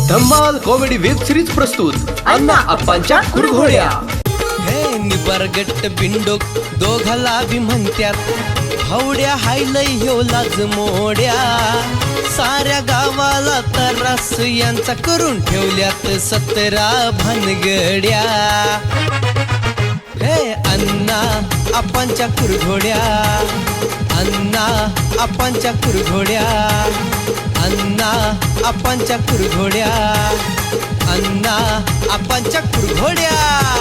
धम्माल comedy web series प्रस्तुत अण्णा अप्पांच्या कुरघोड्या। हे निबरगट्ट बिंडोक दोघाला बी म्हणत्यात हवड्या हायलय ह्यो लाज मोड्या साऱ्या गावाला तरास यांचा करून ठेवल्यात 17 भानगड्या। हे अण्णा अप्पांच्या कुरघोड्या, अण्णा अप्पांच्या कुरघोड्या, अण्णा अप्पांच्या कुरघोड्या, अण्णा अप्पांच्या कुरघोड्या।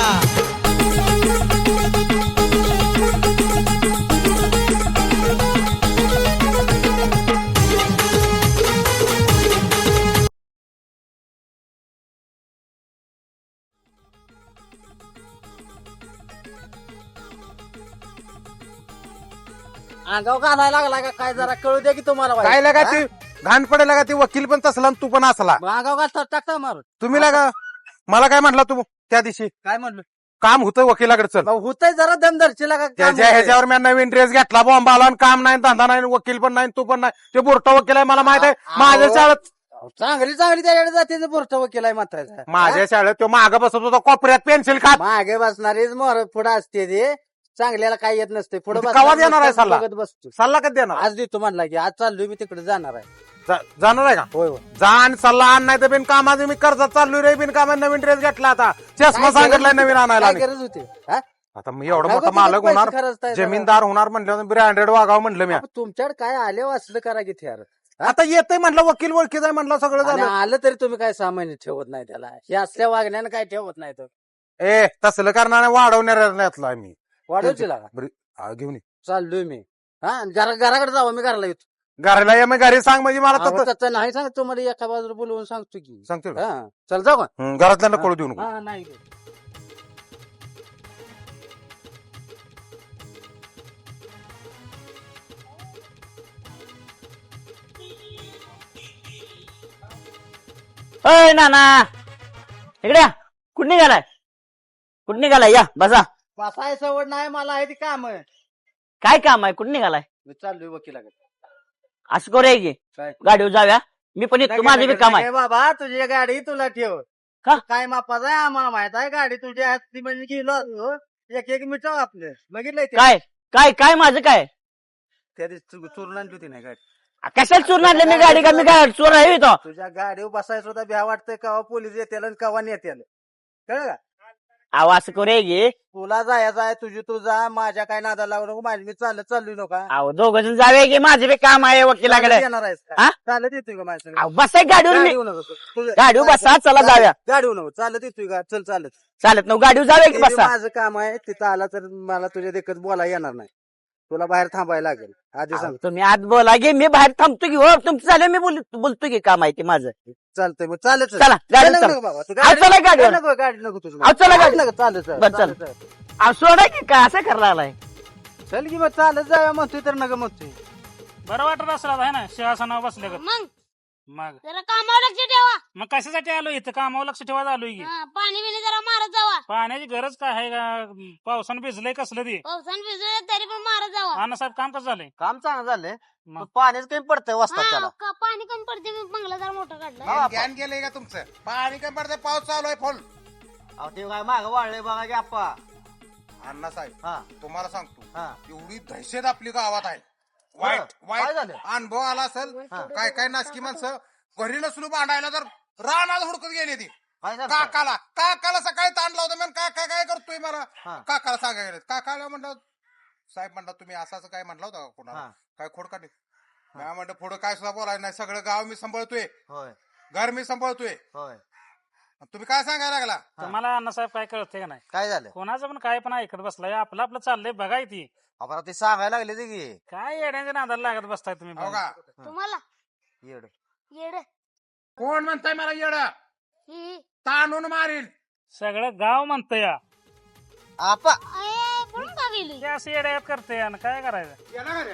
अंगाव घालायला लागला का काय जरा कळू द्या की तुम्हाला वाईट. काय लागा हा? ती घाण पडेल का ती वकील पण तसला आणि तू पण असला मग अंगाव घालता टाकता मारून तुम्ही लागा मला काय म्हटला तू त्या दिवशी काय म्हणलं काम होतं वकिलाकडे चल होतय जरा दमदरची लागा काम त्याच्या होतंय. ह्याच्यावर मी नवीन ड्रेस घेतला बॉम्ब आला आणि काम नाही धंदा नाही वकील पण नाही तू पण नाही ते बोरटा वकील आहे मला माहित आहे माझ्या शाळेत चांगली त्याच्याकडे जाते बुरटा वकील आहे मात्र माझ्या शाळेत तो माग बसत होता कोपऱ्यात पेन्सिल खात मागे बसणारीच मोर पुढे असते ते चांगल्याला काय येत नसते पुढे म्हणजे कवा देणार आहे सल्ला? बसतो सल्ला कधी देणार आज देतो म्हणला की आज चाललोय मी तिकडे जाणार आहे जाणार आहे का होय होय जा आणि सल्ला आण नाही तर बिनकामाचे मी कर्जात चाललोय रे बिनकामा नवीन ड्रेस घेतला आता चष्मा सांगितलाय नवीन आणायला काय गरज होती हा? आता मी एवढं काय मोठा करतो मालक पैसे होणार खर्चताय जरा? जमीनदार होणार म्हटलं ब्रँडेड वागावं म्हणलं मी आपण तुमच्याकडे काय आले असलं करा की यार आता येतंय म्हटलं वकील ओळखीच आहे म्हटलं सगळं आणि झालं आलं तरी तुम्ही काय सामान्य ठेवत नाही त्याला हे असल्या वागण्यानं काय ठेवत नाही तो ए तसलं करणार वाढवण्यातला मी वाढवची लागा घेऊन ये. चाललोय मी हा घराकडे जावं मी घराला येतो घराला ये मग घरी सांग म्हणजे मला अहो, तसं- तसं नाही सांगत तुम्हाला एका बाजूला बोलवून सांगतो की सांगतो का? हा चल जाऊ का घरातल्याला कळू देऊ नको हा नाही अय नाना इकडे या. कुठं निघालाय कुठं निघालाय या बसा बसाय सवड नाही मला आहे ती काम आहे काय काम आहे कुठं निघालाय मी चाललोय वकिलाकडे असं करूया की काय? गाडीवर जाऊया मी पण येतो माझं बी काम आहे नाही बाबा तुझी गाडी तुला ठेव का? काय मापाचा आहे आम्हाला माहित आहे गाडी तुझ्या हाती म्हणजे गेलो असतो. एक मिनिट आपले बघितलंय ते? काय काय काय माझं काय त्या दिवशी चोरून आणली होती नाही गाडी कशाला चोरून आणलं मी गाडी का मी काय चोर आहे तो तुझ्या गाडीवर बसायचं होता भ्या वाटतंय कवा पोलीस येतील आणि कवा नेत्याल कळलं का अहो असं करूया की तुला जायचं आहे तुझी तू जा माझ्या काय नादाला लावू नको माझी मी चाललोय नका अहो दोघं जण जाऊया की माझं बी काम आहे वकिलाकडे येणार आहेस हा? का चालत येतोय का माझ्या संग? अहो बसाय गाडीवर मी गाडीवर नको तुझं- गाडीवर बसा चला जाऊया गाडीवर नको चालत येतोय का चल चालत चालत ना गाडीवर जाऊया की ते बी बसा माझं काम आहे तिथं आला तर मला तुझ्या देखत बोलायला येणार नाही तुला बाहेर थांबायला लागेल आधी अहो, सांग तुम्ही आत बोला की मी बाहेर थांबतो की हो तुमचं झालं मी बोलतो की काम आहे ते माझं चालतंय मग चालत चला, गाडीवर चला. बाबा तू अहो, चला गाडीवर. नको गाडी नको तुझी अहो, चला गाडी. नको चालत बरं, चल. अहो सोडा की काय असं करायला आलाय चल की मग चालत जाऊया म्हणतोय तर नका म्हणतोय बरं वाटत असला आहे ना सिंहासनावर बसल्या मग मग जरा कामावर लक्ष ठेवा मग कशासाठी आलो इथं कामावर लक्ष ठेवायला आलोय की हा, पाणी बिणी जरा मारत जावा पाण्याची गरज काय आहे का पावसानं भिजलंय कसलं ते पावसानं भिजले तरी पण मारत जावा अण्णासाहेब काम कसं झालंय काम चांगलं झालंय मग? पाणीच काही पडतंय वाजता हा, त्याला पाणी कमी पडते मी बंगला जरा मोठा काढला ज्ञान गेलंय का तुमचं पाणी काय पडतंय पाऊस चालू आहे फुल अहो ते काय मागं वाढलंय बघा की आप्पा अण्णा साहेब हा तुम्हाला सांगतो हा एवढी दहशत आपली गावात आहे वाईट काय वाईट झालं? अनुभव आला असेल काय काय नासकी माणसं घरी नसलो भांडायला तर रानात हुडकत गेली ती काय झालं? काकाला सकाळी ताण लावतो म्हणून काका काय करतोय मला हा. काकाला सांगायला गेले काकाला म्हणलं साहेब म्हणलं तुम्ही असं काय म्हणलं होतं का कोणाला हा. काय खोड काढली मी म्हणलं पुढं काय सुद्धा बोलायचं नाही सगळं गाव मी सांभाळतोय होय घर मी सांभाळतोय होय तुम्ही काय सांगायला लागला तुम्हाला अण्णासाहेब काय कळतंय का नाही काय झालं कोणाचं पण काय पण ऐकत बसलाय आपलं आपलं चाललंय बघाय ती आपण ते सांगायला लागले ते की काय येण्याच्या नादाला लागत बसताय तुम्ही हो का तुम्हाला येड येड कोण म्हणताय मला येड ही ताणून मारील सगळं गाव म्हणतंय या. आपा पळून का गेली हे असं येड्यात करते आणि काय करायचं गेला का रे?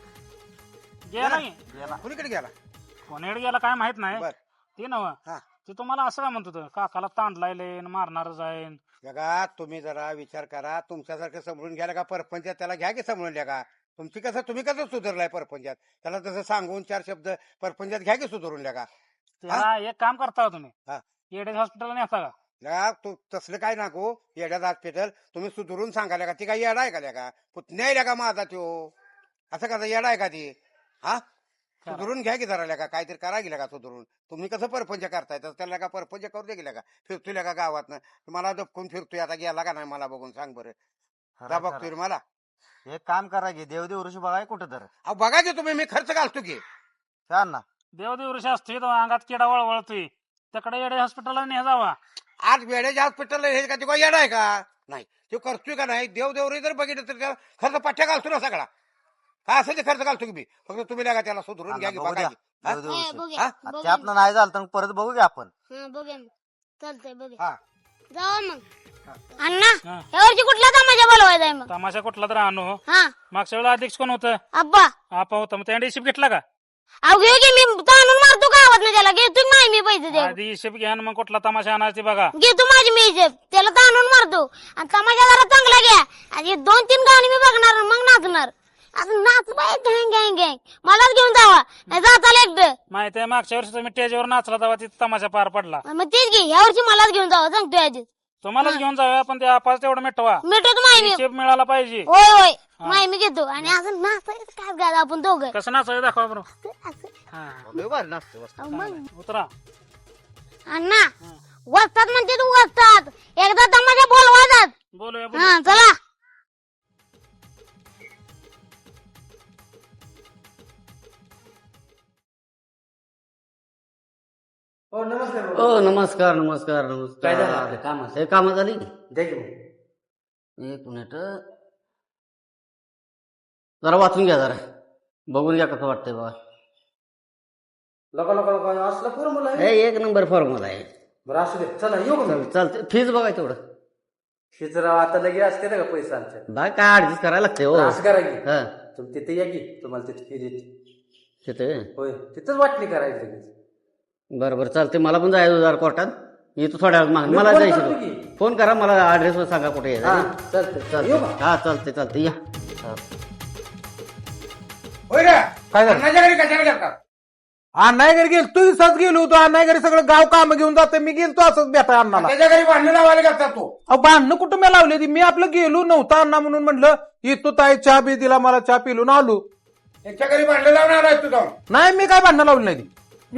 गेला नाही कुणीकडे गेला कोणीकडे गेला काय माहित नाही बर. ते नव हा. ते तुम्हाला असं काय म्हणत होतं काकाला तांडलाय मारणार जाईन जगा तुम्ही जरा विचार करा तुमच्यासारखं समजून घ्यायला का परपंचात त्याला घ्या की समजून घ्या का तुम्ही कसं सुधारलाय परपंचात त्याला तसं सांगून 4 शब्द परपंचात घ्या की सुधारून का त्याला एक काम करता का हा. तुम्ही येडे हॉस्पिटलला नेता का लगा तू तसलं काय नको येड्यात हॉस्पिटल तुम्ही सुधरून सांगायला का ती काय येडा आहे का त्या का पुतण्या आहे का माझा त्यो असं कसं येडा आहे का ती हा सुधरून घ्या की जरा का काहीतरी करा गेल्या का सुधरून तुम्ही कसं परपंच करताय तर त्याला का परपंच करू दे गेल्या का फिरतोय का गावात मला दपकून फिरतोय आता गेला का नाही मला बघून सांग बरं जा बघतोय रे मला एक काम करा की देवदेव ऋषी बघाय कुठं तर अहो बघा की तुम्ही मी खर्च घालतो की छान ना देवदेव ऋषी असतोय तो अंगात किडा वळवळतोय त्याकडे येडे हॉस्पिटलला ने जावा आज वेळेच्या हॉस्पिटलला हे का ते काय येडा आहे का नाही तो करतोय का नाही देवदेवरी जर बघितलं तर त्याला खर्च पठ्ठ्या घालतो ना सगळा काय असेल ते खर्च घालतो की मी फक्त तुम्ही लागा त्याला सुधरून घ्या की बघू बघा द्या. की. हा? देवदेव हे, ऋषी. बघूया, हा? बघूया. ते आपलं नाही झालं तर परत बघू की आपण हा, बघूया मग. चालतंय बघूया हा. जावा मग अण्णा हा. यावरची कुठला तमाशा बोलवायचा आहे मग तमाशा कुठला तर आणू हा मागच्या वेळेला अध्यक्ष कोण होतं अब्बा आपा होता मग त्याने हिशेब घेतला का अहो घेऊ की मी ताणून मारतो गावात ना त्याला घेतो नाही मी पैसे दे आधी हिशेब घ्या आणि मग कुठला तमाशा आणायचा ते बघा घेतो माझी मी हिशेब त्याला ताणून मारतो आणि तमाशा जरा चांगला घ्या आणि 2-3 गाणी मी बघणार आणि मग नाचणार असं नाच बाय गँग गँग गँग मलाच घेऊन जावा नाही जाताला एकटं माहिती आहे मागच्या वर्षी तुम्ही स्टेजवर नाचला तेव्हा तिथे तमाशा पार पडला मग तेच घे ह्या वर्षी मलाच घेऊन जावा सांगतोय आधीच तुम्हालाच घेऊन जाऊया पण ते आपाच तेवढं मिटवा मिठवतो माय मी हिशेब मिळाला पाहिजे होय होय माय मी घेतो आणि असं नाचायचं काय गाणं आपण दोघं कसं नाचायचं दाखवा बरं असं. हा लय भारी नाचते मस्त. अहो, मग उतरा अण्णा वस्तात म्हणते तू वस्तात एकदा तमाशा बोलवायचाच बोलूया हा चला हो नमस्कार ओ नमस्कार नमस्कार नमस्कार काय झालं आपल्या कामाचं? हे काम झाली द्या की मग. एक मिनिट जरा वाचून घ्या जरा बघून घ्या कसं वाटतंय बघा लोका असलं फॉर्म्युला आहे हे एक नंबर फॉर्म्युला आहे बरं असू दे चला येऊ का मग? चालते फीज बघा तेवढं शिजराव आता लगे असते ना का पैसा आमच्या बघा काय ऍडजस्ट करायला लागते हो असं करा की हा तुम्ही तिथे या की तुम्हाला तिथे फी देते तिथे होय तिथंच वाटणी करायची लगेच. बरं बरं चालते मला पण जायचं जरा कोर्टात येतो थोड्या वेळ मागे मी मला फोन जायचं करतो होतं. की. फोन करा मला ऍड्रेस सांगा कुठे हा यायचं. चालतंय येऊ चालते का हा चालते चालते या हा. होय रे काय झालं? अन्नाच्या घरी कशाला गेलता अण्णा घरी गेलो तू दिवसाच गेलो होतो अण्णा घरी सगळं गाव काम घेऊन जाते मी गेलतो असंच भेटा अण्णाला त्याच्या घरी भांडण लावायला गेलता तू अहो भांडणं कुठं मी लावली ती मी आपलं गेलो नव्हता अण्णा म्हणून म्हणलं येतो ताई चहा बी दिला मला चहा पिलून आलो त्यांच्या घरी भांडण लावणार आहे तू जाऊन नाही मी काय भांडणं लावली नाही ती.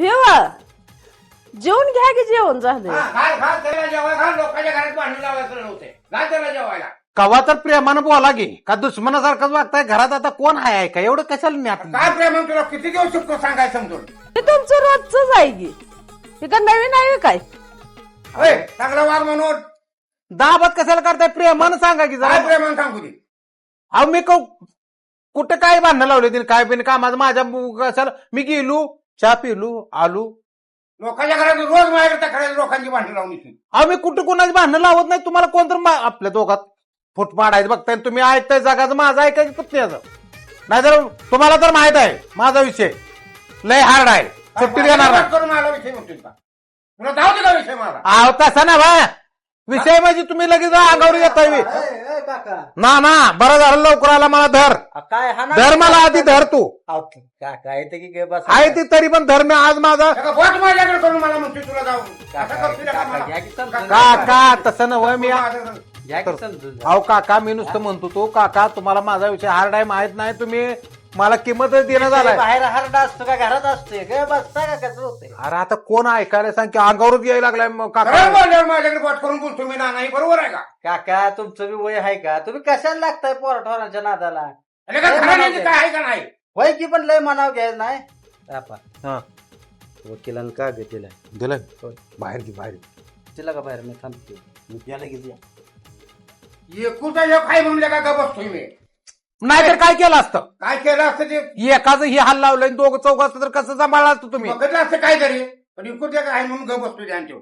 जेवण घ्या की जेवण झालं हा, घाल घाल त्याला जेवायला घाल लोकांच्या घरात भांडण लावायचं नव्हते घाल त्याला जेवायला कवा तर प्रेमानं बोला गे का दुश्मनासारखंच वागताय घरात आता कोण आहे का एवढं कशाला मी आता काय प्रेम तुला किती देऊ शकतो सांगाय समजून ते तुमचं रोजच आहे की हे का नवीन आहे काय होय चांगला वाघ म्हणून दाबात कशाला करताय प्रेमानं सांगा की काय जरा प्रेमान सांगू दे अहो मी कुठं काय भांडणं लावले तिने काय बिन कामाचं माझ्या कशाला मी गेलो चहा पिलो आलो लोकांच्या घरात रोज माझ्याकडे तक्रारी लोकांची भांडण लावून येते अहो मी कुठं कोणाची भांडणं लावत नाही तुम्हाला कोणतर आपल्या दोघात फुट पाडायचं बघताय तुम्ही ऐकताय जगाचं माझं ऐकायचं पुतण्याचं नाहीतर तुम्हाला तर माहित आहे माझा विषय लय हार्ड आहे सुट्टी देणार नाही. करून मला विषय म्हणतोय का तुला जाऊ दे का विषय मला अहो तसा ना बा विषय म्हणजे तुम्ही लगेच अंगावर येताय बी. ए, काका ना बरं झालं लवकर आला मला धर काय हा ना धर मला आधी धर तू काका येते की गे बस आहे ती तरी पण धर मी आज माझा बोट माझ्याकडे करून मला म्हणतोय तुला जाऊन असं करतोय का मला? घ्या की समजून. काका तसं नव्हे मी घ्या की समजून. अहो काका मी नुसतं म्हणतो तो काका तुम्हाला माझा विषय हार्ड आहे माहित नाही तुम्ही मला किंमतच देणं झालाय बाहेर हरडा असतो का घरात असतोय काय बसता का कसं होतंय अरे आता कोण ऐकायला सांग की अंगावरच यायला लागलाय मग खरं काका बोलल्यावर माझ्याकडे बोट करून बोलतो मी नाही बरोबर आहे का काका तुमचं बी वय आहे का तुम्ही कशाला लागताय पोराठोराच्या नादाला अरे का खरं नाही काय आहे का नाही वय की पण लय म्हणाव घ्यायचं नाही आपा हा. वकिलांना का गे तिला दिलं बाहेर घे बाहेर तिला का बाहेर मी थांबते मी त्याला घेतली एकूचा एक आहे म्हणले का ग बसतोय मी नाहीतर काय केलं असतं काय केलं असतं ते एकाच ही हाल लावलंय दोघं चौघ असतं तर कसं सांभाळलं असतं तुम्ही बघितलं असतं काय तरी पण एकूच एक आहे म्हणून ग बसतोय त्यांच्यावर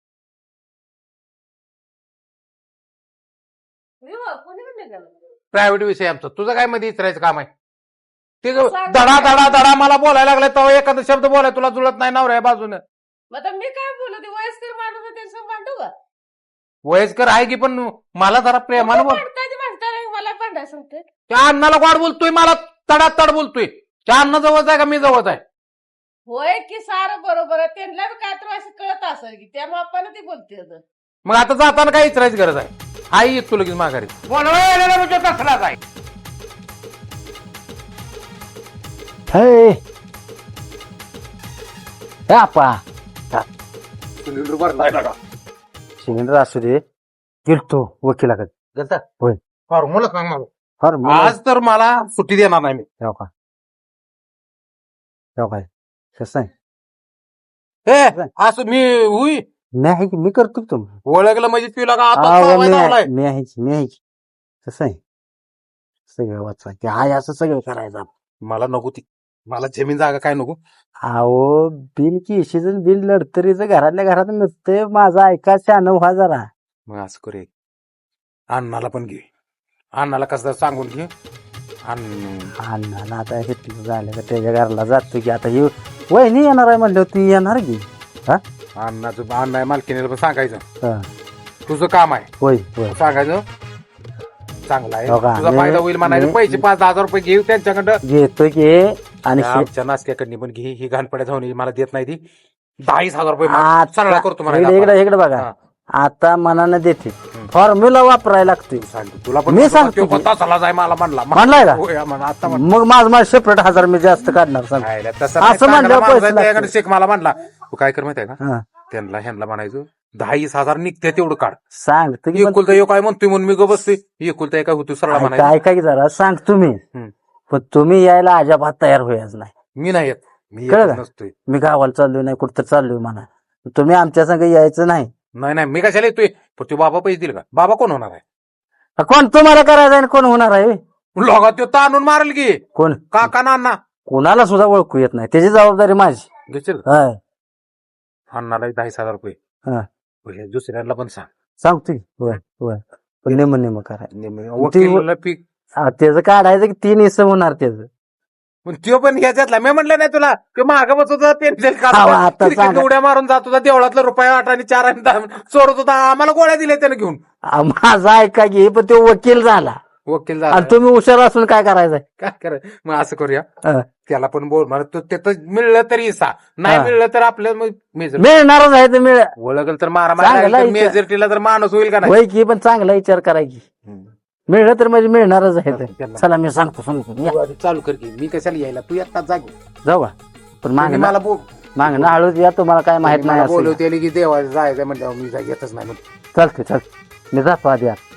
प्रायव्हेट विषय आमचं तुझं काय मध्ये इचरायचं काम आहे ते धडा धडा धडा मला बोलायला लागलाय तेव्हा एखादा शब्द बोलाय तुला जुळत नाही नवऱ्या बाजूने मग मी काय बोलू ते वयस्कर माणूस त्यांचं भांडू का वयस्कर आहे की पण मला जरा प्रेमानं बोल भांडताना मला भांडायला सांगते त्या अण्णाला गोड बोलतोय मला तडात तड बोलतोय त्या अण्णा जवळच आहे का मी जवळच आहे होय की सारं बरोबर आहे त्यांना बी काय तर असं कळत असेल की त्या बापानं ती बोलते आता. मग आता जाताना काय विचारायची गरज आहे? आई येत तू लगेच माघारी. बोलवायला म्हणजे तसलाच आहे. आपा सिलेंडर असू दे गेलतो वकिलाकडे गेलता? होय. फॉर्म्युला सांग मला. फॉर्म आज तर मला सुट्टी देणार नाही मी. काय कसं आहे हे असं मी हुई नाही की मी करतो की तुम्ही ओळखलं म्हणजे तुला का आता अहो, चावायला लावलाय? मी आहे की कसं आहे सगळं वाचा की हाय असं सगळं करायचं आपण. मला नको ती. मला जमीन जागा काय नको. अहो बिल की इशीचं बिल लढतरीचं घरातल्या घरात नसतंय माझं ऐका शान व्हा जरा. मग असं करे अण्णाला पण घे. अण्णाला कसं सांगून घे. अण्णाला आता हे झालं का त्याच्या घराला जातो की आता ही वहिनी येणार आहे म्हणलं ती येणार की अण्णाचं अण्णा मालकीने पण सांगायचं हा. तुझं काम आहे होय होय सांगायचं चांगला आहे हो का? तुझा फायदा होईल म्हणायचं. पैसे 5,000 रुपये घेऊ त्यांच्याकडं. घेतो की आणि आमच्या नासक्याकडनी पण घे. ही घाणपड्या जाऊन मला देत नाही ती. 10,000 रुपये आता- सरळा करतो इकडे बघा हा. आता मनानं देते फॉर्म्युला वापरायला लागतोय तुला पण मी सांगतो तो की- तसाला जाय मला म्हणला. म्हणलाय का? होय, म्हणला. आता मग माझं सेपरेट 1000 मी जास्त काढणार सांग. म्हणला. तसं असं नाही, चांगला म्हणल्यावर माणूस आहे, पैसे त्याच्याकडे लागतील. शेख मला म्हणला तू काय कर माहिती आहे का हा. त्यांना ह्यांना म्हणायचं 10,000 निघते तेवढं काढ. सांगतो की पण- एकुलता एक काय म्हणतोय म्हणून मी ग बसते. एकुलता एक काय होतो सरळ म्हणायचं. ऐका की जरा सांग तुम्ही हम्म. पण तुम्ही यायला अजिबात तयार व्हायचं नाही. मी नाही येत. मी कळलं येत का? नसतोय. मी गावाला चाललोय नाही कुठं चाललोय म्हणा तुम्ही आमच्या संग यायचं नाही. नाही मी कशाला येतोय. पण तू बाबा पैसे दिल का? बाबा कोण होणार आहे? कोण तुम्हाला करायचं आणि कोण होणार आहे लोगा तो ताणून मारेल की कोण काका नाना कोणाला सुद्धा ओळखू येत नाही त्याची जबाबदारी माझी. घेशील हाय. अण्णाला 10,000 रुपये. हा. हे दुसऱ्यांना पण सांग. सांगतो की होय होय पण नेम करायचं वकील पीक त्याचं काढायचं की 3 हिस्से होणार त्याचं. पण तो पण ह्याच्यातला मी म्हटलं नाही तुला ते माग बसत होता पेन्सिल अहो, आता सांगा. उड्या मारून जात होता देवळातला रुपये 8 आणि 4 आणि 10 चोरत होता. आम्हाला गोळ्या दिल्या त्याने घेऊन. माझा ऐका की पण तो वकील झाला वकील आणि झाला. तुम्ही हुशार असून काय करायचंय काय करायचं मग असं करूया हा. त्याला पण बोल मला तो त्याचं मिळलं तरी इसा नाही हा. मिळलं तर आपल्या मेजर मिळणारच आहे तर मिळ ओळखल तर चांगला मारा इथं. मेजॉरिटीला तर माणूस होईल का नाही. होय की पण चांगला विचार करायची मिळलं तर म्हणजे मिळणारच आहे तर. त्यांना. चला मी सांगतो या. तू आधी चालू कर की मी कशाला यायला तू येतात जागे जाऊ का पण मला मागणं हळूच या तुम्हाला काय माहित नाही असं. बोलवते की देवा जायचं म्हणल्यावर मी येतच नाही म्हणून. चालते मी जातो आधी आता.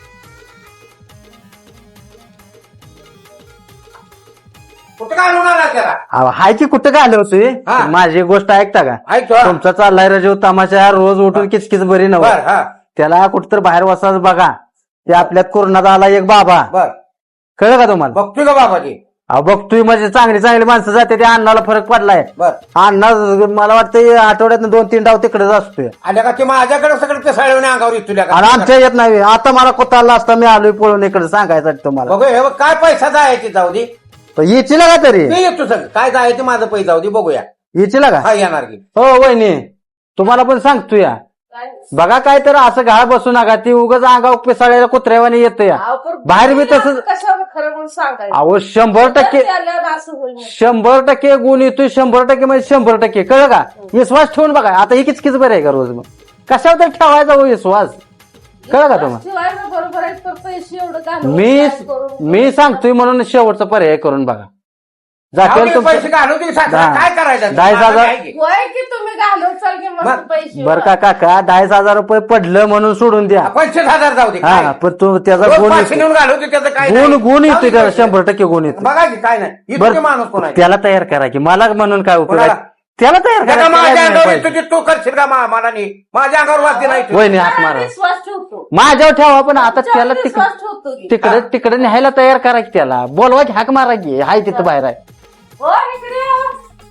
कुठं घालून आला त्याला? अहो, हाय की कुठं काय आलं होतोय हा. माझी गोष्ट ऐकता का ऐक हा. तुमचा चाललाय रजव तमाशा रोज उठून किचकिच बरी बर नव्हतं हा त्याला कुठतर बाहेर वसाच बघा ते आपल्यात कोरोनात आला एक बाबा बर कळलं का तुम्हाला बघतोय का बाबाजी? अहो बघतोय म्हणजे चांगली माणसं जाते त्या अण्णाला फरक पडलाय. बर अण्णा मला वाटतं आठवड्यात 2-3 डाव तिकडेच असतोय आल्या का ते माझ्याकडे सगळं ते सळवणे अंगावर येतो का? आणि आमच्या येत नाही आता मला कोताला असता मी आलोय पळून इकडे सांगायसाठी तुम्हाला बघूया हे बघ, काय पैसा जायचे जाऊ दे. तर येचीला का तरी मी येतो सगळं काय जायचे माझं पैसे जाऊ दे बघूया. येचीला का हा येणार की हो वहिनी तुम्हाला पण सांगतो या बघा काय तर असं घाळ बसू नका ती उगाच अंगावर पिसाळ्याला कुत्र्यावानी येतं या अहो, पण बाहेर बी तसंच कशावर खरं म्हणून सांगायचं अहो 100% ते आल्यावर असं होईल मग. 100% गुण येतोय 100% म्हणजे 100% कळलं का विश्वास ठेवून बघा आता ही किचकिच बरं आहे का रोज मग कशावर तर ठेवायचा हो विश्वास कळलं का तुम्हाला शिवायला बरोबर आहे तर पैसे एवढं घालून मी काय करून- मी सांगतोय म्हणून शेवटचा पर्याय करून बघा जाऊ जातील दे, तुमचं पैसे घालू दे सासरा, हा. काय करायचं? 10,000 माझं काय की? होय की तुम्ही घालून चाल की मस्त बर- पैसे बरं का काका 10,000 रुपये पडलं म्हणून सोडून द्या 25,000 जाऊ दे हा काय? पण तो त्याचा रोज गुण 500 येतो. नेऊन घालू दे त्याचं काय गुण नाही. गुण जाऊ येतोय दे त्याला पैसे. 100% गुण येतो बघा की काय नाही इतके माणूस कोण आहे? त्याला तयार करा की मला म्हणून काय उपयोग आहे? कोणाला? त्याला तयार त्याला करा माझ्या त्याला अंगावर नाही येतो पाहिजे. ते तू करशील का मला नाही माझ्या अंगावर वाचते नाही तू. वहिनी हात मारा विश्वास ठेवतो माझ्यावर ठेवा पण आता त्याला विश्वास ठेवतो की. तिकडे न्यायला तयार करा की त्याला बोलवा की हाक मारा की हाय तिथं बाहेर आहे हो इकडे या.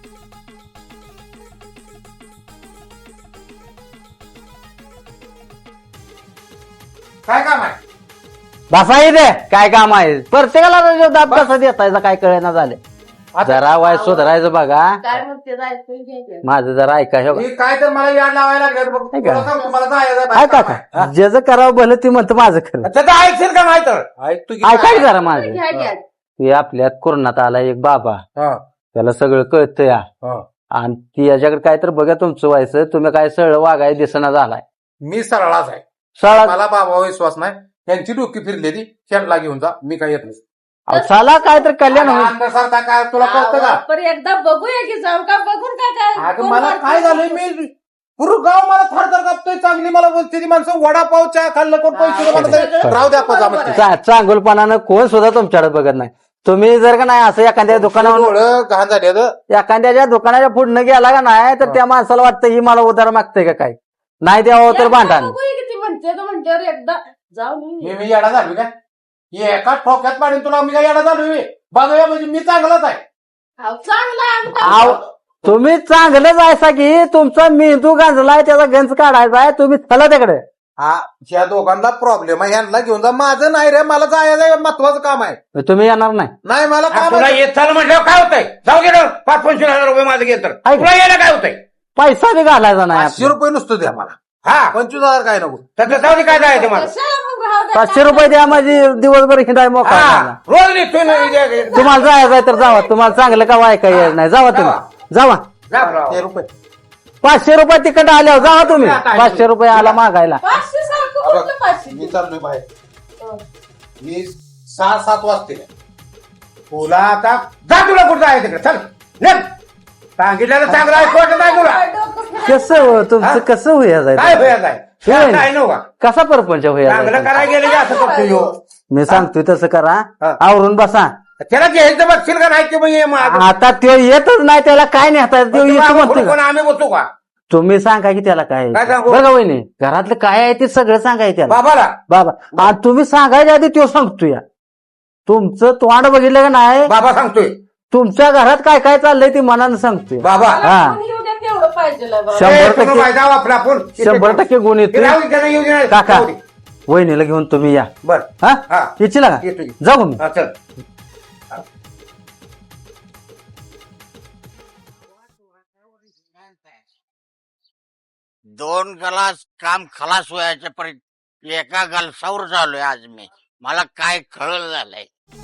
काय काम आहे? बसा दे काय काम आहे प्रत्येकाला रजेवर दाब कसा देतायचा काय कळेना झाले जरा वाय सुधारायचं बघा काय म्हणते जायचं घ्यायचं. माझं जरा ऐका हे बघा. हे काय तर मला याड लावायला लागलं बघ. नाही का? तुला सांगतो, मला जायचं काय आहे. काका ज्याचं करावं भलं ती म्हणतं माझं खरं त्याचं ऐकशील का नाही तर ऐक तू की ऐका की जरा माझं घ्या घ्या हे आपल्यात कोरोनात आला एक बाबा हा, त्याला सगळं कळतं या हा. आणि ती याच्याकडे काय तर बघा तुमचं व्हायचं, तुम्ही काय सरळ वागाय दिसना झालाय. मी सरळाच आहे. सरळ मला बाबा विश्वास नाही. त्यांची डोकी फिरलेली शेणला घेऊन जा, मी काय येत नाही. चला काय तर कल्याण होईल. अंगासारखा काय तुला कळतं का? पण एकदा बघूया की जाऊ का बघून काय अगं मला काय झालंय, मी पूर्ण गाव मला थरथर कापतोय. चांगली मला बोलते ती माणसं, वडापाव चहा खाल्लं कोण पैसे देऊ म्हणत नाही. राहू द्या आपण जामं. चांगुलपणानं कोण सुद्धा तुमच्याकडे बघत नाही. तुम्ही जर का नाही असं एखाद्या दुकानावर डोळं घाण झाले एखाद्याच्या दुकानाच्या पुढनं गेला का नाही तर त्या माणसाला वाटतं ही मला उधार मागते का काय, नाही द्यावं तर भांडण. किती म्हणते तो म्हणल्यावर एकदा जाऊ हे मी येडा झालो का? एका ठोक्यात पाडून तुला मी काय येडा झालोय? बघूया म्हणजे मी चांगलाच आहे. चांगला तुम्ही चांगलंच आहे की तुमचा मेंदू गांजलाय, त्याचा गंज काढायचा आहे. तुम्ही चला तिकडे. हा, या दोघांना प्रॉब्लेम आहे, यांना घेऊन जा. माझं नाही रे, मला जायचं महत्वाचं काम आहे. तुम्ही येणार नाही. नाही मला काम तुला आहे. येत चाल म्हटल्यावर काय होतंय? जाऊ गेलं 5-25 हजार रुपये माझं घेत तर ऐक. तुला यायला काय होतंय? पैसा बी घालायचा नाही. 500 रुपये नुसतं द्या मला. हा 25,000 काय नको. त्याचं जाऊ दे, काय जायचं मला? 500 रुपये द्या, माझी दिवसभर हिंडाय मोकळा हा झाला. रोज निघतोय ना इथे. तुम्हाला जायचं आहे तर जावा. तुम्हाला चांगलं का ऐकाय यायचं नाही, जावा तुम्ही. जावा. जा राव. ते रुपये 500 रुपये तिकट आल्यावर जावा तुम्ही. 500 रुपये आला मागायला. 500 सारखं कुठलं 500? मी चाललोय बाहेर. मी 6-7 वाजते. तुला आता जा, तुला कुठं आहे तिकडे चल निघ. सांगितलेलं चांगलं ऐकवत नाही तुला. कसं हो, तुमचं कसं होया काय जायचं? व्हायचं काय नव्हता कसा परपंच होया चांगलं जायचं? करायला गेलं की असं करतो ह्यो. मी सांगतोय तसं करा. हा. आवरून बसा. त्याला घ्यायचं बघशील का नाही की मग ये मागं. आता तो येतच नाही, त्याला काय नेता तो तुम्ही येतो मागं म्हणतोय कोण का? आम्ही बसू का तुम्ही सांगा की त्याला काय काय सांगू? बघा वहिनी, घरातलं काय आहे ते सगळं सांगाय त्याला. बाबाला? बाबा, आणि तुम्ही सांगायच्या आधी तो सांगतोय. तुमचं तोंड बघितलं का नाही, बाबा सांगतोय. तुमच्या घरात काय काय चाललंय ते मनानं सांगतोय. बाबा हा. कोणी येऊ द्या तेवढं पाहिजे बा. 100% जाऊ आपला आपण 100% गुण येतोय. येऊ दे. काका जाऊ दे. वहिनीला घेऊन तुम्ही या. बर हा हा. इच्छिला का येतो की. जाऊ मी. हा, चल. दोन गलास काम खलास व्हायच्या पर्यंत एका गलसावर झालोय आज मी. मला काय कळलं झालंय.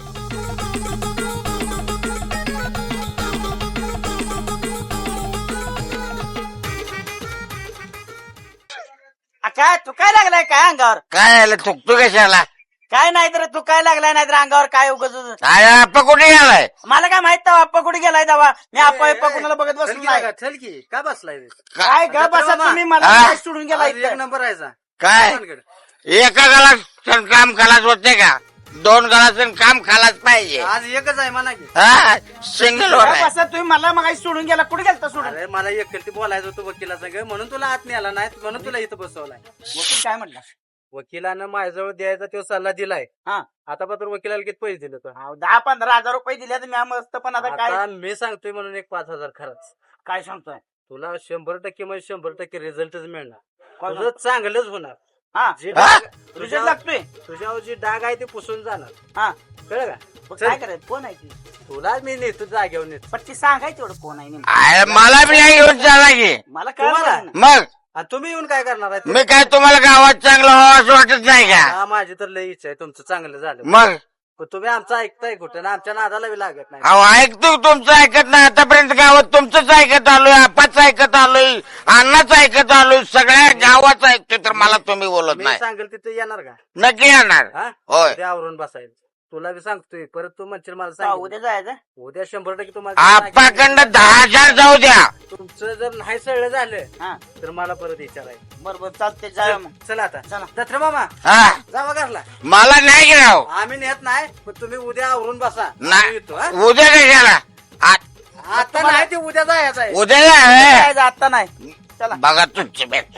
काय तू काय लागलाय काय अंगावर? काय आलं थुकतो कशाला? काय नाही तर तू काय लागलाय नाही तर अंगावर काय उगाच. काय आप्पा कुठे गेलाय? मला काय माहित तेव्हा आप्पा कुठे गेलाय तेव्हा मी आप्पा कुणाला बघत बसलो नाही. चल की काय बसलाय काय ग बसा तुम्ही मला हा? काय सोडून गेला एक नंबर आहे काय एका गलास काम खलास होते का? 2 गलास काम खालाच पाहिजे. आज एकच आहे म्हणा की. हा सिंगल वर आहे. बसा तुम्ही मला मग सोडून गेला कुठे गेलता सोडून? अरे मला एकटी बोलायचं होतं वकिला संग, म्हणून तुला आत नाही आला नाही, म्हणून तुला इथं बसवलाय. वकील काय म्हटलं? वकिलानं माझ्याजवळ द्यायचा तो सल्ला दिलाय. हा. आता पत्र वकिलाला किती पैसे दिले तो? 10-15 हजार रुपये दिले तर मी मस्त, पण आता काय आता मी सांगतोय म्हणून एक 5,000 खरंच. काय सांगतोय? तुला 100% म्हणजे 100% रिझल्टच मिळणार. काय तुझं चांगलंच होणार. हा जे हा? डाग रिझल्ट लागतोय. तुझ्यावर जी डाग आहे ते पुसून जाणार. हा कळलं का? मग चल. काय करायचं? कोण आहे ती? तुला मी नेतो जागेवर नेतो. पण ती सांगायची एवढं कोण आहे नेमकं? अरे मला बी नाही घेऊन चाला की. मला तुम्हाला? कळलं नाही. मग आणि तुम्ही येऊन काय करणार आहे? मी काय तुम्हाला गावात चांगलं व्हावं असं वाटत नाही का? हा, माझी तर लई इच्छा आहे तुमचं चांगलं झालं. मग पण तुम्ही आमचं ऐकताय कुठं ना आमच्या नादाला बी लागत नाही. अहो ऐकतो तुमचं ऐकत नाही. आतापर्यंत गावात तुमचंच ऐकत आलोय, आपाच ऐकत आलोय, अण्णाच ऐकत आलोय, सगळ्या गावात ऐकतोय, तर मला तुम्ही बोलत मी नाही. सांगेल तिथे येणार का? नक्की येणार. हा? होय. उद्या आवरून बसायला. तुला बी सांगतोय परत तू म्हणशील मला का सांग उद्या जायचं? उद्या 100% तुम्हाला आपाकडनं 10,000 जाऊ द्या. तुमचं जर नाही सगळं झालं हा तर मला परत विचारायचं. बरोबर चालते जाऊया मग. चला आता चला. दत्रे मामा हा जावा घरला. मला नाही गिराव. आम्ही नेत नाही पण तुम्ही उद्या आवरून बसा. आम्ही नाही येतो, हा? उद्या कशाला? आता नाही ते उद्या जायचं आहे. उद्या जा. जायचं आता नाही. चला. बघा तुमची भेट.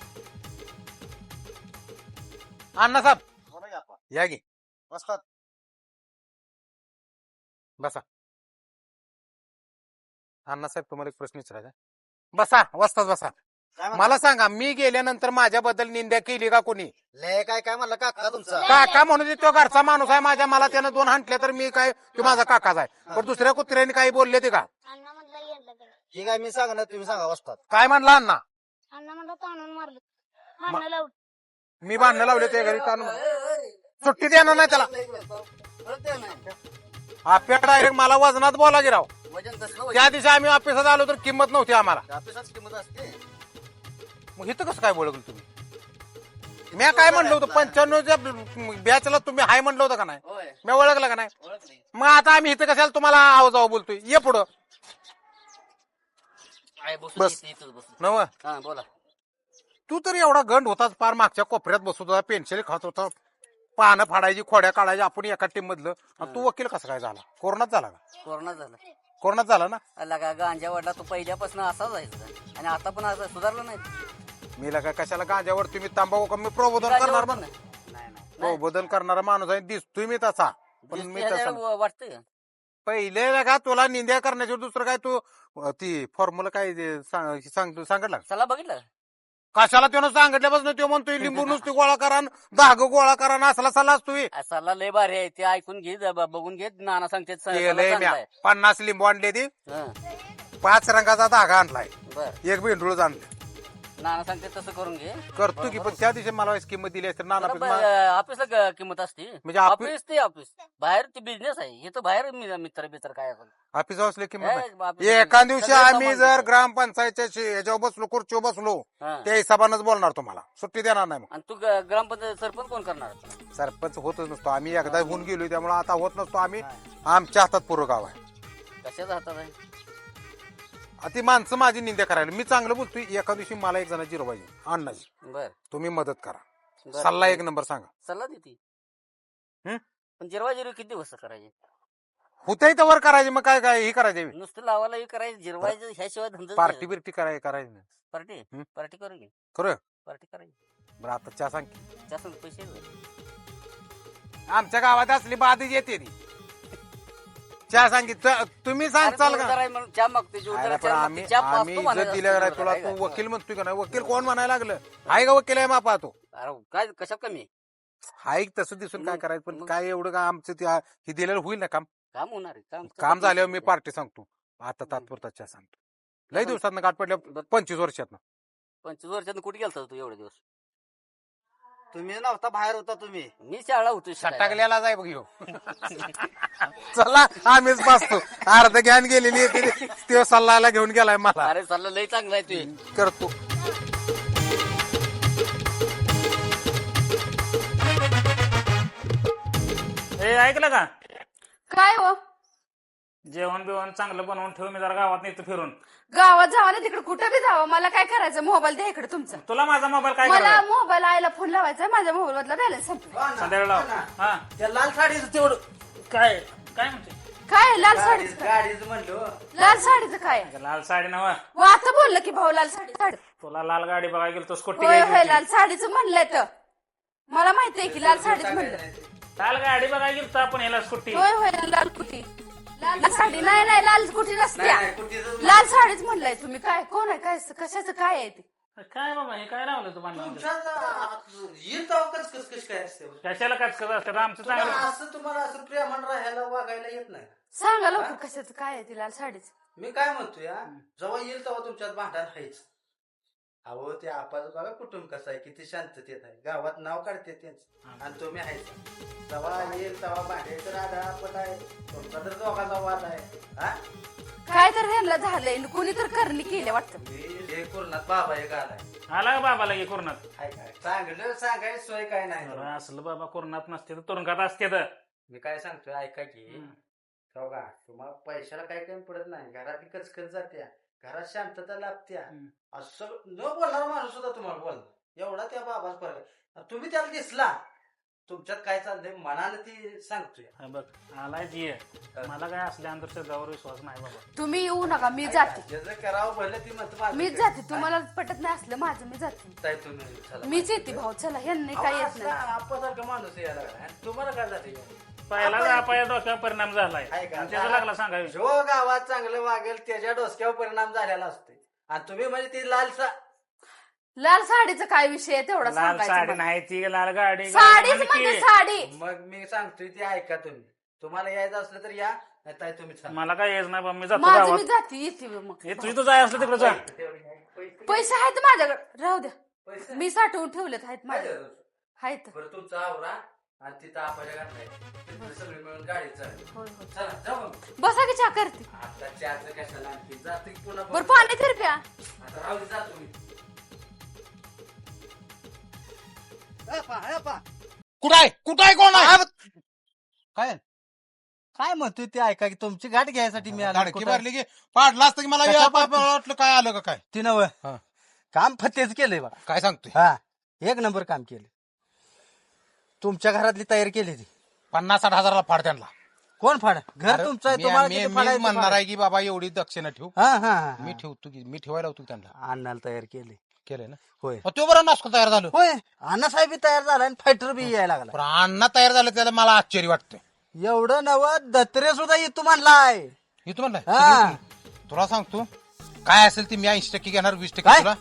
अण्णासाहेब या गे बसा. अण्णासाहेब तुम्हाला एक प्रश्न विचारायचा. बसा वस्ताच बसा. मला सांगा, मी गेल्यानंतर माझ्याबद्दल निंदा केली का कोणी? लय काय काय म्हणलं काका तुमचा? काका म्हणून तो घरचा माणूस आहे माझ्या. मला त्यानं 2 हाणल्या तर मी काय, तो माझा काकाच आहे. पण दुसऱ्या कुत्र्याने काही बोलले ते का? अण्णा म्हटलं येडलं काय? ठीक आहे मी सांगणार तुम्ही सांगा वस्तात. काय म्हणला अण्णा? अण्णा म्हटलं ताणून मारलं. भांडणं लावलं. मी भांडणं लावले ते घरी ताणून. सुट्टी देणार नाही त्याला. आपल्या डायरेक्ट मला वजनात बोला की राव. वजन कसलं त्या दिवशी आम्ही ऑफिसात आलो तर किंमत नव्हती आम्हाला. ऑफिसात किंमत असते. मग इथं कसं काय बोलवलं तुम्ही? मी काय म्हणलं होतं 95च्या बॅचला तुम्ही हाय म्हणलं होतं का नाही? होय मी ओळखलं का नाही? ओळखली. मग आता आम्ही इथं कशाला तुम्हाला आवाजाव बोलतोय? ये पुढं बस. नव हा बोला. तू तर एवढा गंड होताच, पार मागच्या कोपऱ्यात बसत होता, पेन्सिल खात होता, पानं फाडायची, खोड्या काढायची, आपण एका टीम मधलं. आणि तू वकील कसं काय झाला? कोरोनात झाला का? कोरोना झाला. कोरोनात झाला ना? लगा गांजा वडला तो पहिल्यापासून असाच आहे आणि आता पण असं सुधारलं नाही. मी लगा कशाला गांजावर तुम्ही तांबाखू का? मी प्रबोधन करणार म्हण. प्रबोधन करणारा माणूस आहे, दिसतोय मी तसा. पण मी तसा वाटतंय. पहिले लगा तुला निंद्या करण्याच्या दुसरं काय तू ती फॉर्म्युला काय सांगितलं चला बघितलं कशाला त्यानं सांगितल्यापासून तो म्हणतोय लिंबू नुसती गोळा करा, धाग गोळा करा, असला सल्ला असतोय. सल्ला लय भारी आहे ते, ऐकून घे बघून घे. नाना सांगते 50 लिंबू आणले ती, 5 रंगाचा धागा आणलाय, बर 1 भेंडूळ आणलं. नाना सांगते तसं करून घे. करतो की, पण त्या दिवशी मला किंमत दिली असते नाना. ऑफिसला किंमत असते म्हणजे ऑफिस ते ऑफिस बाहेर ते बिझनेस आहे. हे तर बाहेर मित्र काय आपण ऑफिस असले किंमत ऑफिस- एका दिवशी सगळं आम्ही सामान जर घेतो. ग्रामपंचायतच्या याच्यावर बसलो, खुर्चीवर बसलो, हा. त्या हिसाबानंच बोलणार तुम्हाला, सुट्टी देणार नाही. आणि तू ग्रामपंचायत सरपंच कोण करणार? मग सरपंच होतच नसतो आम्ही, एकदा होऊन गेलो, त्यामुळे आता होत नसतो आम्ही. आमच्या हातात पूर्ण गाव आहे. कशाचा हातात आहे? ती माणसं माझी निंदा करायला. मी चांगलं बोलतोय. एका दिवशी मला एक जणाची जिरवायची अण्णाची, बर तुम्ही मदत करा, बर. सल्ला 1 नंबर सांगा. सल्ला देते. हं? पण जिरवा किती दिवस करायचे? होत्याही तर वर करायचे, मग काय काय हे करायचे, नुसतं लावायला हे करायचं, जिरवायचं ह्याशिवाय धंदा पार्टी बिर्टी करायची नाही. पार्टी हं? पार्टी करू की खरं पार्टी करायची. बरं आता चहा सांग की. जास्त पैसे दे. आमच्या गावात असली बाधीच येते ती. चहा सांगित तुम्ही सांगचाल का? चहा मागते अरे पण आम्ही इज्जत दिल्या नाही तुला, तू वकील म्हणतोय का नाही? वकील कोण म्हणायला लागलं? हाय का वकील आहे मापा तो? काय कशा कमी हाय तसं दिसून काय करायचं, पण काय एवढं का आमचं ते हे दिलेलं होईल ना काम? काम होणार आहे. काम झाल्यावर मी पार्टी सांगतो. आता तात्पुरता चहा सांगतो. लय दिवसात गाठ पडल्या, 25 वर्षात. 25 वर्षात कुठे गेलता तू एवढे दिवस? तुम्ही नव्हता, बाहेर होता तुम्ही. मी शाळा होतो सटाकल्याला जाय बघ ह्यो. चला आम्हीच बसतो. अर्ध ज्ञान गेलेली आहे ते सल्लाला घेऊन गेलाय मला. अरे सल्ला लय चांगला आहे तू करतो. हे ऐकलं का? काय हो जेवण बिवण चांगलं बनवून ठेव, मी जरा गावात नेतो फिरून. गावात जावा ना तिकडे कुठं बी जावं, मला काय करायचं? मोबाईल द्या इकडे तुमचा. तुला माझा मोबाईल काय मला करायचा? मोबाईल आयला फोन लावायचा, माझ्या मोबाईल मधला बॅलन्स संपला. संध्याकाळी लाव. हा त्या लाल साडीचं तेवढं काय काय म्हणते? काय लाल साडीचं काय? गाडीचं म्हणलो. लाल साडीचं काय? लाल साडी नव. व आता बोललं की भाऊ लाल साडी. तुला लाल गाडी बघायला गेलो, तो स्कूटी होय होय घ्यायची लाल साडीचं म्हणलंय तर मला माहितीये की लाल साडीच म्हणलं. लाल गाडी बघायला गेलो आपण, ह्याला स्कूटी. होय होय लाल कुठी. लाल साडी नाही नाही लाल कुठी नसत्या. नाही, कुठीच लाल साडीच म्हणलंय तुम्ही. काय कोण आहे? काय कशाचं काय आहे ते? काय बाबा हे काय लावलं तुम्हाला? येईल तेव्हा कस काय असते. कशाला कचकच असतं? आमचं चांगलं. असं तुम्हाला असं प्रेमान राहायला वागायला येत नाही. सांगा लवकर कशाचं काय आहे ते लाल साडीच. मी काय म्हणतोय, जेव्हा येईल तेव्हा तुमच्यात भांडण आहेच. अहो ते आपण बघा कुटुंब कसं आहे, किती शांततेत आहे, गावात नाव काढते त्यांचं आणि तुम्ही आहेच. तेव्हा येईल तेव्हा भांडायचं राधा आपण आहे. तुमचा तर दोघांचा वाद आहे. हा काय तर ह्यांना झालंय, कुणी तर करणी केली वाटतं. हे कोरोनात बाबा एक आलाय. आला का बाबाला की कोरोनात? काय चांगलं सांगायचं सोय काय नाही. अरे असलं बाबा कोरोनात नसते तर तुरुंगात असते तर. मी काय सांगतोय ऐका की, बघा तुम्हाला पैशाला काही कमी पडत नाही, घरात कचकच जात्या, घरात शांतता लाभत्या. असं न बोलणारा माणूस सुद्धा तुम्हाला बोलणार, एवढा त्या बाबाच फरक आहे. तुम्ही त्याला दिसला, तुमच्यात काय चाललंय मनानं ती सांगतोय. हा बघ आलाय जी मला काय असल्या अंधश्रद्धावर विश्वास नाही बाबा. तुम्ही येऊ नका, मी जाते. ज्याचं करावं भरलं ती म्हणतो मीच जाते. तुम्हाला पटत नाही असलं माझं, मी जाते. तुम्ही चला. मीच येते भाऊ. चला ह्यांनी काय येत नाही. आपल्यासारखं माणूस यायला लागला. तुम्हाला काय जाते? पहिला आपल्या डोक्यावर परिणाम झालाय आणि त्याचा लागला सांगावी. जो गावात चांगलं वागेल त्याच्या डोसक्यावर परिणाम झालेला असतो. आणि तुम्ही म्हणजे ती लाल साडीचा काय विषय आहे तेवढा लाल साडी सांगायचा? नाही ती लाल गाडी. साडीच म्हणजे साडी. मग मी सांगतोय ती ऐका तुम्ही. तुम्हाला यायचं असलं तर या, नाही तुम्ही चला. मला काय येत नाही बाबा, मी जातो माझं गावात. मी जाते येते मग. हे तुझी तर जाय असलं तिकडे जा. पैसे आहेत माझ्याकडे, राहू द्या. मी साठवून ठेवलेत, आहेत माझ्याकडे आहेत. बरं तुमचा आवरा आणि तिथं आपल्या घातलाय तिथं सगळे मिळून गाडी चालली. होय होय चला जाऊ मग. बसा की चहा करते आता चहाचं कशाला आणखी जाते की पुन्हा बरं पाणी तर प्या आता राहू दे, जातो मी. कुठाय कोण आहे काय काय म्हणतोय ते ऐका की तुमची गाठ घ्यायसाठी मी आलो. गाडकी कुठं? भरली की पाडला असतं की मला कशा या पाडली? बाप वाटलं काय आलं का काय ती नव हा. काम फतेच केलंय बघा. काय सांगतोय हा एक नंबर काम केलं. तुमच्या घरातली तयारी केली ती 50-60 हजाराला फाड त्यांना कोण फाड घर तुमचं आहे, तुम्हाला किती मी फाडायचं म्हणणार फाड. आहे की बाबा एवढी दक्षिणा ठेवू हा हा हा. मी ठेवतो की मी ठेवायला होतो त्यांना अण्णाला तयार केली केलंय ना होय तो बरं नासको तयार झालो होय अण्णासाहेब बी तयार झाला आणि फायटर बी यायला लागला. पण अण्णा तयार झालं त्याला मला आश्चर्य वाटतं एवढं नव दत्रे सुद्धा येतो म्हणलाय. हे तू म्हणलाय हा तुला सांगतो काय असेल ते मी 80% घेणार 20% काय? तुला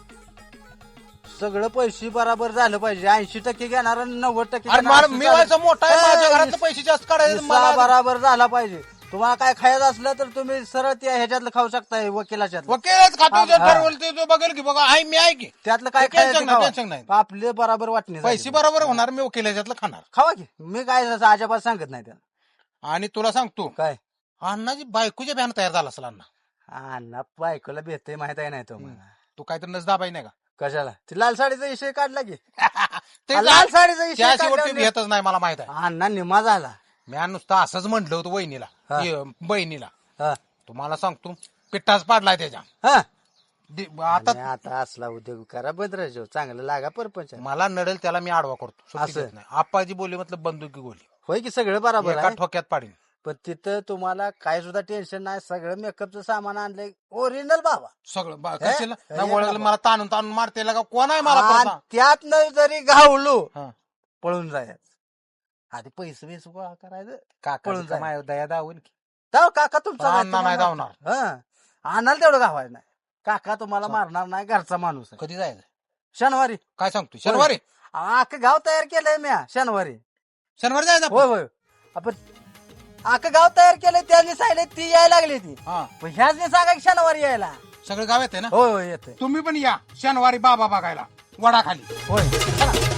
सगळं पैसे बराबर झालं पाहिजे. 80% घेणार आणि 90% अरे मला मी व्हायचं मोठा आहे माझ्या घरातलं पैसे जास्त काढायचे हिस्सा मला बराबर झाला पाहिजे. तुम्हाला काय खायचं असलं तर तुम्ही सरळ त्या ह्याच्यातलं खाऊ शकताय वकिलाच्या वकीलच खातो जे हा. ठरवलं ते तो बघेल की बघा आहे मी आहे की त्यातलं काय ते टेन्शन खायचं नाही, खावा. टेन्शन नाही. आपले बराबर वाटणे पैसे बरोबर होणार मी वकिलाच्यातलं खाणार खावा की मी काय असं अजिबात सांगत नाही त्याला. आणि तुला सांगतो काय अण्णाची बायकोच्या बॅन तयार झाला असेल अण्णा अण्णा बायकोला भेटते माहित आहे नाही तुम्हाला. तू काहीतरी नसदाबाई नाही का कशाला ती लाल साडीचा विषय काढला की ते लाल साडीचा विषय त्याशिवाय काढल्यावर भेटच नाही मला माहित आहे अण्णा निमा झाला. मी नुसतं असंच म्हटलं होतं वहिनीला हा. बहिणीला हा. तुम्हाला सांगतो पिठ्ठाच पाडलाय त्याच्या हा. आता आणि आता असला उद्योग करा बद्राजो चांगलं लागा परपंच. मला नडेल त्याला मी आडवा करतो सुट्टी असं? देत नाही आप्पाजी बोली मतलब बंदुकी गोली होय की सगळं बरोबर एका आहे. ठोक्यात पाडीन पण तिथं तुम्हाला काय सुद्धा टेन्शन नाही. सगळं मेकअपचं सामान आणलंय ओरिजिनल बाबा. सगळं हे? कशाला हे नाही ओळखलं बाबा. मला ताणून ताणून मारते का कोण आहे मला आणि परसा? त्यातनं जरी घावलो हा. पळून जायचं. आधी पैसे बिस गोळा करायचं काका पळून जाय. दया दावून की जाऊ काका तुमचा पण अण्णा नाही धावणार. आणाल तेवढं गावायचं नाही. काका तुम्हाला मारणार नाही. घरचा माणूस आहे. कधी जायचं शनिवारी काय सांगतो शनिवारी अख्खं गाव तयार केलंय म्या शनिवारी. शनिवारी जायचं होय आपण? होय आपण अख्खं गाव तयार केलंय. त्यांनी सांगितलं ती यायला लागली ती हा पण ह्याच सांगा की शनिवारी यायला. सगळं गाव येते ना होय होय येते तुम्ही पण या शनिवारी बाबा बघायला वडाखाली होय चला.